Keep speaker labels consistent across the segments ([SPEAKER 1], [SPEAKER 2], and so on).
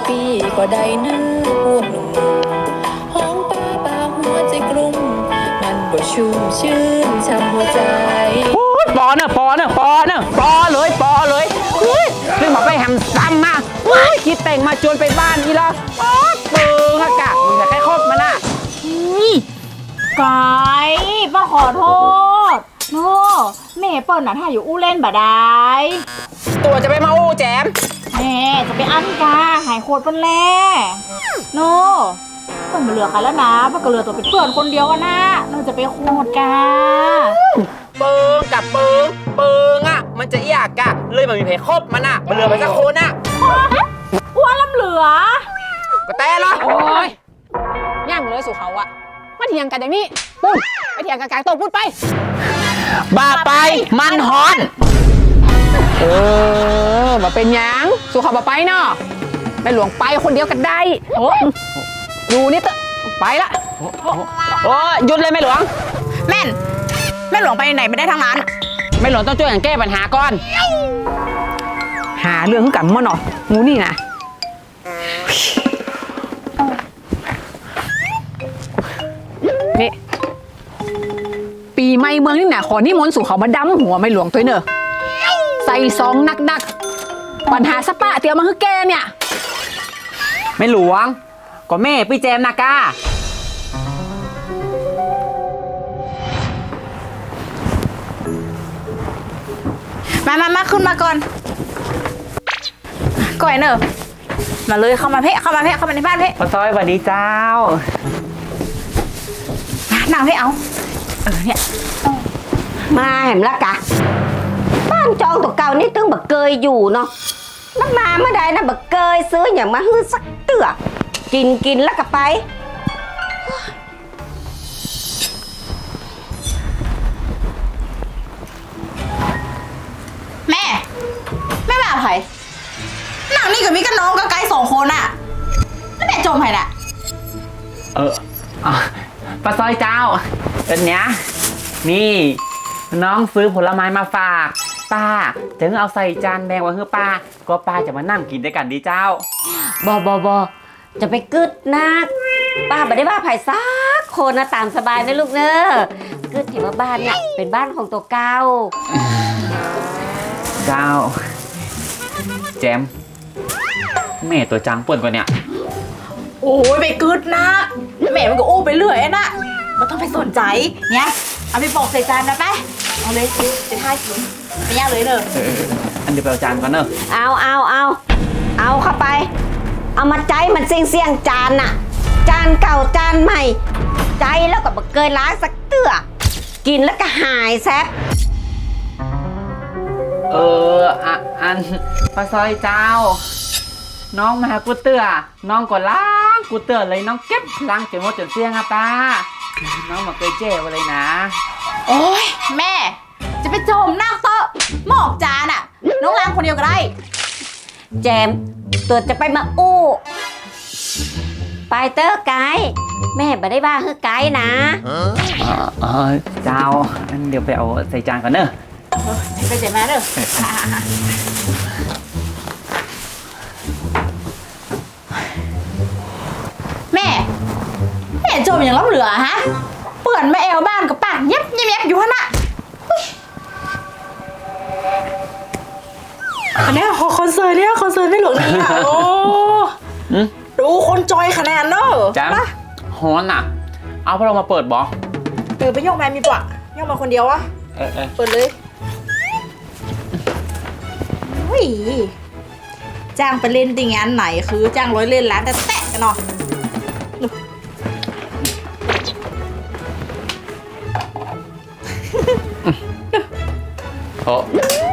[SPEAKER 1] ปีก็ได้นะพวกหนุ่มห้องป้าป่าหัวใจกลุ่มมันบ่ชุ่มชื่นช่ำหัวใจ
[SPEAKER 2] ปอเนอะปอเลยเรื่องมาไปแฮมซ้ำมาคิดแต่งมาจวนไปบ้านนี่ละเปิงอากาศมึงจะแค่คบมันน่ะ
[SPEAKER 3] ไก่ป้าขอโทษโน่แม่เปิ้ลน่ะถ้าอยู่อู้เล่นบ่ได้
[SPEAKER 2] ตัวจะไปมาอู้แจม
[SPEAKER 3] แม่จะไปอั้นกาหายโคตรเปิ้ลแล่โน่เปิ้ลมาเหลือใครแล้วนะป้าก็เหลือตัวเป็นเพื่อนคนเดียวกันนะโน่จะไปโคตรกา
[SPEAKER 2] เปิงกับเปิงอ่ะมันจะอยากกะเลยมันมีเพคบมันอ่ะมันเหลือไปสักคนอ่ะ
[SPEAKER 3] อ้วนล้ำเหลือ
[SPEAKER 2] ก็แต่ละ
[SPEAKER 4] โอ้ยย่างเลยสู่เขาอะมาเถียงกันอย่างนี้ปุ้นไปเถียงกันกลางโต๊ะพูดไป
[SPEAKER 2] บ้าไปมันฮอน
[SPEAKER 4] มาเป็นยังสู่เขาบ่ไปเนาะแม่หลวงไปคนเดียวกันได้โอ้ดูนี่เตอะไปละ
[SPEAKER 2] โอ้หยุดเลยแม่หลวง
[SPEAKER 3] แม่หลวงไปไหนไม่ได้ทั้งนั้น
[SPEAKER 2] แม่หลวงต้องช่วยกันแก้ปัญหาก่อน
[SPEAKER 4] หาเรื่องกับมันหน่อยงูนี่นะนี่ปีใหม่เมืองนี่นะขอนิมนต์สู่เขามาดำหัวไม่หลวงตัวเนอะใส่ซองนักปัญหาสปะเตียวมาคือแกเนี่ย
[SPEAKER 2] ไม่หลวงก็แม่พี่แจมนากา
[SPEAKER 3] มาขึ้นมาก่อนก่อยเนอะมาเลยเข้ามาในบ้านเพ่
[SPEAKER 2] ป้าซอยสวัสดีเจ้า
[SPEAKER 3] นั่งให้เอาเนี่ย
[SPEAKER 5] มาเห็นละกะบ้านจองตัวเก่านี่ตึงบักเกยอยู่เนาะแล้วมาเมื่อใดนะบักเกยซื้ออย่างมาฮื้อสักเตือกินแล้วก็ไป
[SPEAKER 3] แม่แบบไผ่หนังนี่กับมิกับน้องก็ไกล2 คนอะแล้วแม่จมไผ่น่ะ
[SPEAKER 2] ป้าซอยเจ้าเป็นเนี้ยนี่น้องซื้อผลไม้มาฝากป้าจะเอาใส่จานแดงไว้ให้ป้าก็ป้าจะมานั่งกินด้วยกันดีเจ้า
[SPEAKER 5] บอจะไปกึดนักป้าไม่ได้ว่าไผ่ซักคนนะตามสบายนะลูกเนอะกึดเห็นว่าบ้านเนี่ยเป็นบ้านของตัวเก่า
[SPEAKER 2] เจ้าแจมแม่ตัวจังป่วนกว่าเนี่ย
[SPEAKER 3] โอ้ยไปกึดนักแม่มันก็อู้ไปเรื่อยนะมันต้องไปสนใจเนี่ยเอาไปบอกใส่จานนะไปเอาเลยจะท่ากินไม่ยากเลยเนอะ
[SPEAKER 2] อันเดี๋ยวไปเอาจานก่อนเนอะ
[SPEAKER 5] เอาเข้าไปเอามาใจมันเสี่ยงจานน่ะจานเก่าจานใหม่ใจแล้วก็บักเกยล้างสักเตือกินแล้วก็หายแซ่บ
[SPEAKER 2] อันป้าซอยเจ้าน้องมาหากูเตือน้องก็ล้างกูเตือเลยน้องเก็บล้างจนหมดจนเสี่ยงอะป้าน้องมาเคยเจ๊ไว้เลยนะ
[SPEAKER 3] โอ้ยแม่จะไปโจมนั่งโต๊ะหมอกจานอะน้องล้างคนเดียวก็ได้
[SPEAKER 5] แจมตัวจะไปมาอู้ไปเตอร์ไกด์แม่ไม่ได้ว่าคือไกด์นะ
[SPEAKER 2] เจ้าเดี๋ยวไปเอาใส่จานก่อนเนอะ
[SPEAKER 3] ไปเจ็บมาเด้อแม่โจมอย่างล้ำเหลือฮะเปื่อนแม่เอวบ้านกับปากเย็บอยู่ฮะน่ะอันนี้คอนเสิร์ตไม่หลวงนี่อ่ะโอ้ดูคนจอยคะแนนเนอะ
[SPEAKER 2] จ้าฮอนอ่ะเอาพวกเรามาเปิดบอ
[SPEAKER 3] ไปยกมามีปะยกมาคนเดียววะเปิดเลยจ้างไปเล่นติงานไหนคือจ้างร้อยเล่นร้านแต่แตะกันเนาะ
[SPEAKER 2] โอ้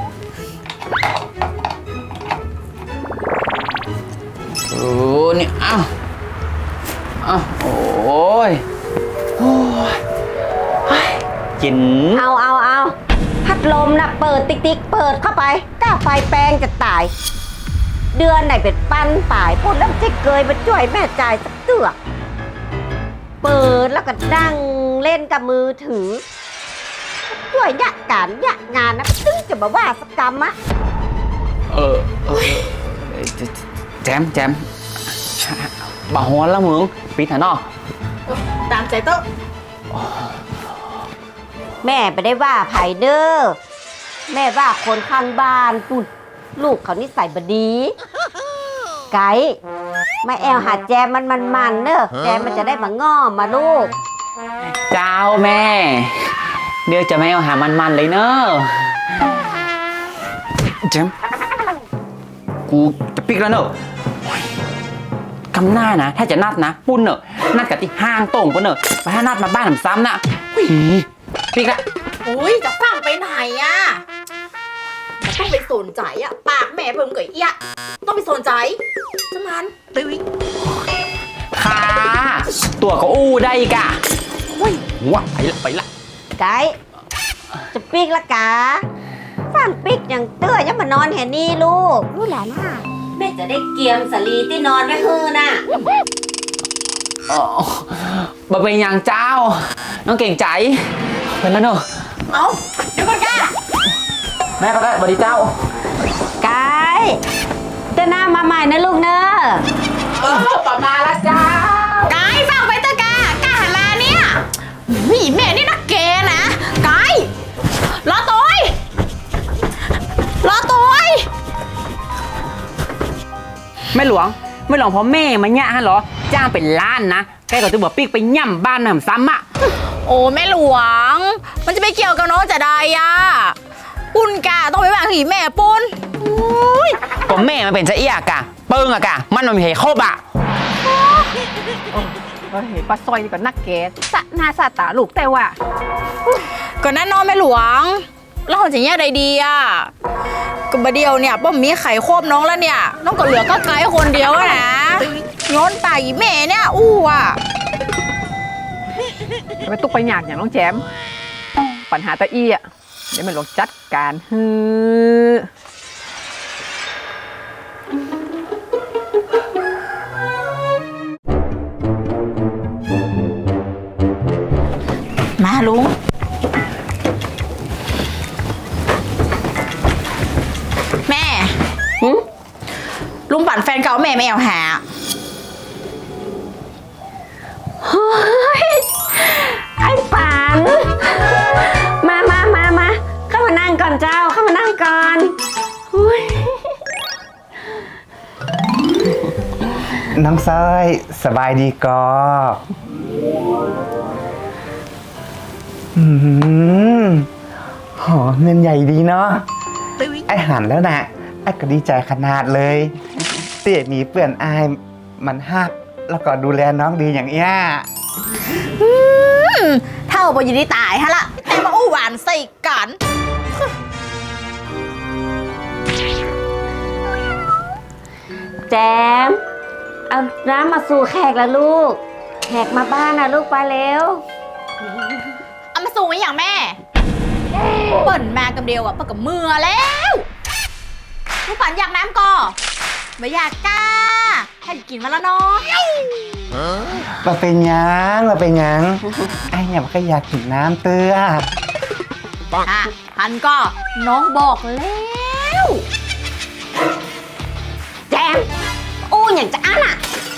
[SPEAKER 2] นี่โอ้ยกิน
[SPEAKER 5] เอาพัดลมนะเปิดติ๊กเปิดเข้าไปก้าไฟแปลงจะตายเดือนไหนเป็นปั้นป่ายพูดแล้วจะเกยมาช่วยแม่จ่ายสักเตือกเปิดแล้วก็นั่งเล่นกับมือถือด้วยยะการยะงานนะซึ่งจะมาว่าสักกรรมอะ
[SPEAKER 2] แจมบ่ฮ้อนแล้วมึงปิดเถอะเนาะ
[SPEAKER 3] ตามใจโต๊ะ
[SPEAKER 5] แม่ไปได้ว่าไผเด้อแม่ว่าคนข้างบ้านปุ่นลูกเขานิสัยบดี ไก่มาแอลหาแจมมันเนอะแจมมันจะได้มาง้อมาลูก
[SPEAKER 2] เจ้าแม่ เดี๋ยวจะไม่เอาหามันๆเลยเนอะเจมส์กูจะปิกแล้วเนอะกำหน้านะ ถ้าจะนัดนะ ปุ้นเนอะนัดกับที่ห้างโต่งปุ้นเนอะไปถ้านัดมาบ้านผมซ้ำนะหุยปิกละ
[SPEAKER 3] อุ้ยจะฟังไปไหนอะมันต้องไปสนใจอะปากแม่เพิ่มกับอีอะต้องไปสนใจสมันตึ้ย
[SPEAKER 2] ค่ะตัวก็อู้ได้อีกอะว้าไปละ
[SPEAKER 5] ไก่จะปิกละกาฟังปิกอย่างเตื้อยังมานอนแห่นี่ลูกรู้หลานน่ะแม่จะได้เกียมสลีที่นอนไว้ฮือน่ะ
[SPEAKER 2] อ๋อบ่เป็นอย่างเจ้า น้องเก่งใจเป็นแล้วเนอะ
[SPEAKER 3] เอาเดี๋ยวก่อนก้า
[SPEAKER 2] แม่ก็ได้สวัสดีเจ้า
[SPEAKER 5] ไก่เจ้าหน้ามาใหม่นะลูกเนอะ
[SPEAKER 2] ต่อมาละเจ้า
[SPEAKER 3] ไกด์ฟังไปเถอะกากาหันมาเนี่ยหวีแม่นี่นักเกนะไกด์รอตัวไอ้รอตัวไอ้
[SPEAKER 2] ไม่หลวงเพราะแม่มาเนี่ยฮะเหรอ จ้างเป็นล้านนะแกก็จะบอกปิ๊กไปย่ำบ้านหนำซ้ำอะ
[SPEAKER 3] โอ้แม่หลวง มันจะไปเกี่ยวกับน้องจะได้อะปุ้นกาต้องไปวางหีแม่ปุ้นอุ้ย
[SPEAKER 2] ก็แม่มันเป็นเสียกะเปิ้งอะกะมันไม่ให้ครบอะ
[SPEAKER 4] เฮ้ยป้าซอยนี่ก็นักแกสะหน้าสะตาลูกแต่ว่า
[SPEAKER 3] ก่อนนั้นน้องแม่หลวงแล้วเราจะแยกใดดีอะก็บะเดียวเนี่ยป้อมมีไข่ควบน้องแล้วเนี่ยน้องก็เหลือก็ไกด์คนเดียวอะนะย้อนตายอีแม่เนี่ยอู้อะ
[SPEAKER 4] ไปตุกไปหยากอย่างน้องแจม ปัญหาตะอี้อ่ะเดี๋ยวมันลงจัดการฮือ
[SPEAKER 3] มาลุงแม่ลุงปั่นแฟนเก่าแม่ไม่เอาหา
[SPEAKER 5] ไอ้ปันมาเข้ามานั่งก่อนเจ้าเข้ามานั่งก่อนอุ๊ย
[SPEAKER 6] น้องสร้อยสบายดีก็หอเงินใหญ่ดีเนาะไอหันแล้วนะไอก็ดีใจขนาดเลยเตี้ยมีเปื่อนอายมันฮักแล้วก็ดูแลน้องดีอย่างเอี้ย
[SPEAKER 3] เท่าบยินดีตายฮะละแต่มาอู้หวานใส่กัน
[SPEAKER 5] แจมเอาน้ำมาสู่แขกแล้วลูกแขกมาบ้านนะลูกไปเร็ว
[SPEAKER 3] เอามาสูงไว้อย่างแม่เปิ่นมากับเดียวอะเปิ่นกับมือแล้วลูกปั่นอยากน้ำก่อไม่อยากกล้าแค่กินมาแล้วเนาะ
[SPEAKER 6] มาเป็นหยังไอเนี่ยมันก็อยากกินน้ำเตื้อ
[SPEAKER 3] อ่ะพันก็น้องบอกแล้ว
[SPEAKER 5] แจมอู้อย่างจะอันอ่ะ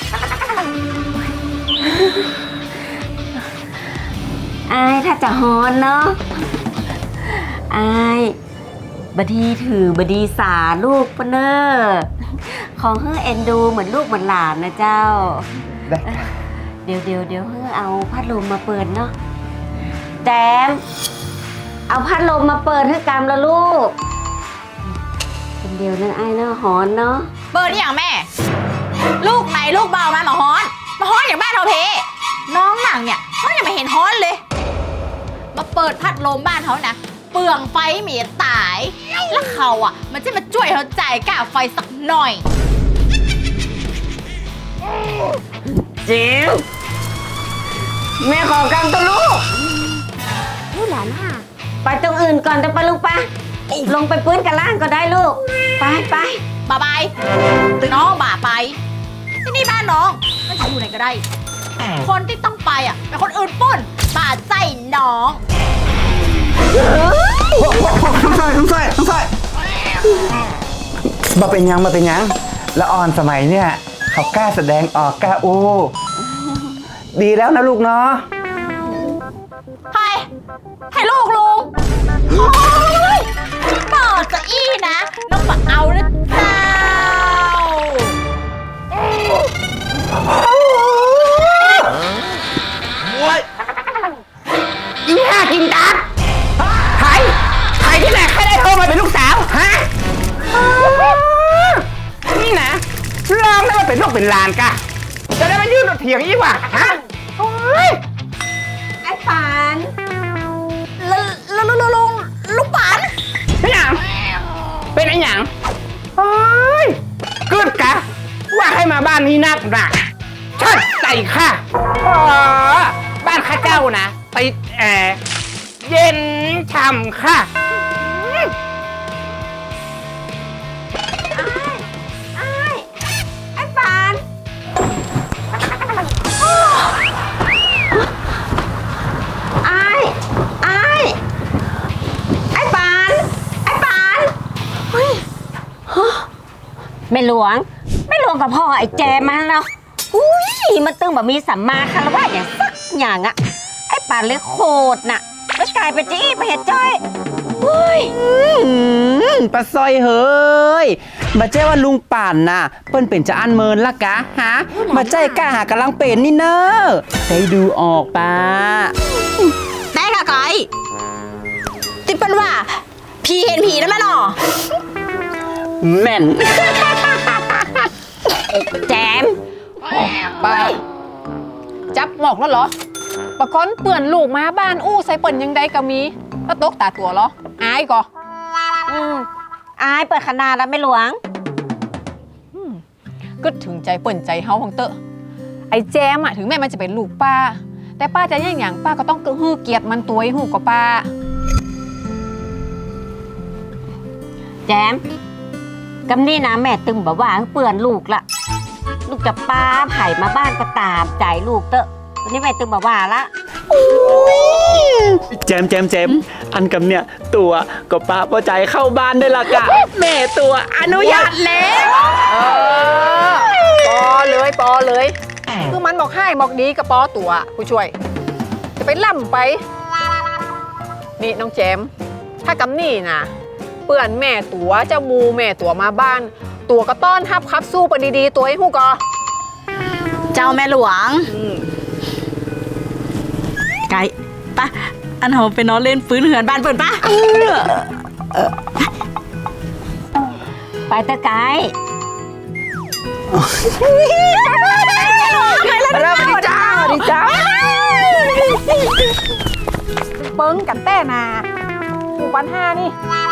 [SPEAKER 5] อายถ้าจะฮอนเนาะอายบดีถือบดีสาลูกปะเนอของเฮ้อเอ็นดูเหมือนลูกเหมือนหลานนะเจ้า
[SPEAKER 6] ได้ค่ะ
[SPEAKER 5] เดี๋ยวเฮ้อเอาพัดลมมาเปิดเนาะแจมเอาพัดลมมาเปิดให้กำละลูกคนเดียวเนอะไอ้เนอะฮอนเนาะ
[SPEAKER 3] เปิดอย่างแม่ ลูกไหนลูกเบามามาฮ้อนอย่างบ้านเราเพน้องหนังเนี่ยเขายังไม่เห็นฮ้อนเลย มาเปิดพัดลมบ้านเขานะเปลืองไฟเมียตาย แล้วเขาอ่ะ มันจะมาช่วยเขาจ่ายค่าไฟสักหน่อย
[SPEAKER 5] จิ๋วแม่ขอกำตัวลูกลูกหลานค่ะไปตรงอื่นก่อนจะไปลูกปะลงไปปื้นกันล่างก็ได้ลูกไป
[SPEAKER 3] บายบายน้องบ่าไป ที่นี่บ้านน้องมันจะอยู่ไหนก็ได้ คนที่ต้องไปอ่ะเป็นคนอื่นปุ้นบ่าใจน้อง
[SPEAKER 6] น้องสร้อยมาเป็นหยังละอ่อนสมัยเนี่ยเขากล้าแสดงออกกล้าอู้ดีแล้วนะลูกเนาะ
[SPEAKER 3] ให้ลูกลุงโอ้ยเปิดจะอี้นะน้องมาเอานะเจ้า
[SPEAKER 6] อีห่ากินดับใครที่ไหนใครได้โทรมาเป็นลูกสาวฮะนี่นะลองได้มาเป็นลูกเป็นหลานกะจะได้มายื่นรถเถียงอีกว่ะฮะโอ้ย
[SPEAKER 5] ไอ้ปาน
[SPEAKER 3] ลูกปัน
[SPEAKER 6] เป็นหยังเป็นไอ้หยังโอ้ยกึดกะว่าให้มาบ้านนี้นักหนักชัดใจค่ะอ๋อบ้านข้าเจ้านะติดแอร์เย็นฉ่ำค่ะ
[SPEAKER 5] ไอ้ปานไอ้ปานแม่หลวงกับพ่อไอ้แจมาแล้วอุ้ยมันตึงแบบมีสัมมาคารวะอย่างสักอย่างอะไอ้ปานเลยโคตรน่ะแล้วกลายเป็นจี้ไปเห็ดจ้อยอุ้ย
[SPEAKER 2] ปะซอยเฮ้ยมาเจ้ว่าลุงป่านน่ะเปิ้นเป็นจะอันเมินละกะฮะมาเจ้กล้าหากำลังเป็นนี่เนอะได้ดูออกปะ
[SPEAKER 3] ได้ค่ะก้อยติปเป็นว่าผีเห็นผีแล้วมั้ยหรอ
[SPEAKER 2] แม่น
[SPEAKER 5] แจม
[SPEAKER 4] ป้าจับหมอกแล้วเหรอปะก้อนเปื่อนลูกมาบ้านอู้ใส่เปิ่นยังใดก็มีแล้วตกตาตัวเหรออายก่อ
[SPEAKER 5] อายเปิดขนาดแล้วแม่หลวง
[SPEAKER 4] ก็ถึงใจเปิ่นใจเฮาของเตอะไอ้แจมอะถึงแม้มันจะเป็นลูกป้า แต่ป้าจะย่างอย่างป้าก็ต้องฮื้อเกียรติมันตัวให้หูกว่าป้า
[SPEAKER 5] แจมกำนี่นะแม่ตึงบอกว่าเปื่อนลูกละลูกจะป้าไผ่มาบ้านก็ตามใจลูกเตอะวันนี้แม่ตึงบอกว่าละ
[SPEAKER 2] แจมอันกับเนี่ยตัวก็ป้าพอใจเข้าบ้านได้ละกะแม่ตัวอนุญาตแล้ว
[SPEAKER 4] ปอเลยคือมันบอกให้บอกดีกับปอตัวผู้ช่วย จะไปล่ำไป นี่น้องแจมถ้ากำนี่นะเปื่อนแม่ตัวเจ้ามูแม่ตัวมาบ้าน ตัวก็ต้อนทับครับสู้ไปดีๆตัวให้หูกอ
[SPEAKER 3] เจ้าแม่หลวงไก่ปะอันเราไปนอนเล่นฟื้นเหือนบ้านเปิดปะ
[SPEAKER 5] ไปเตอะไกด์
[SPEAKER 4] เริ่มดีจ้าเปิ้งกันแต่นาผูกวันห้านี่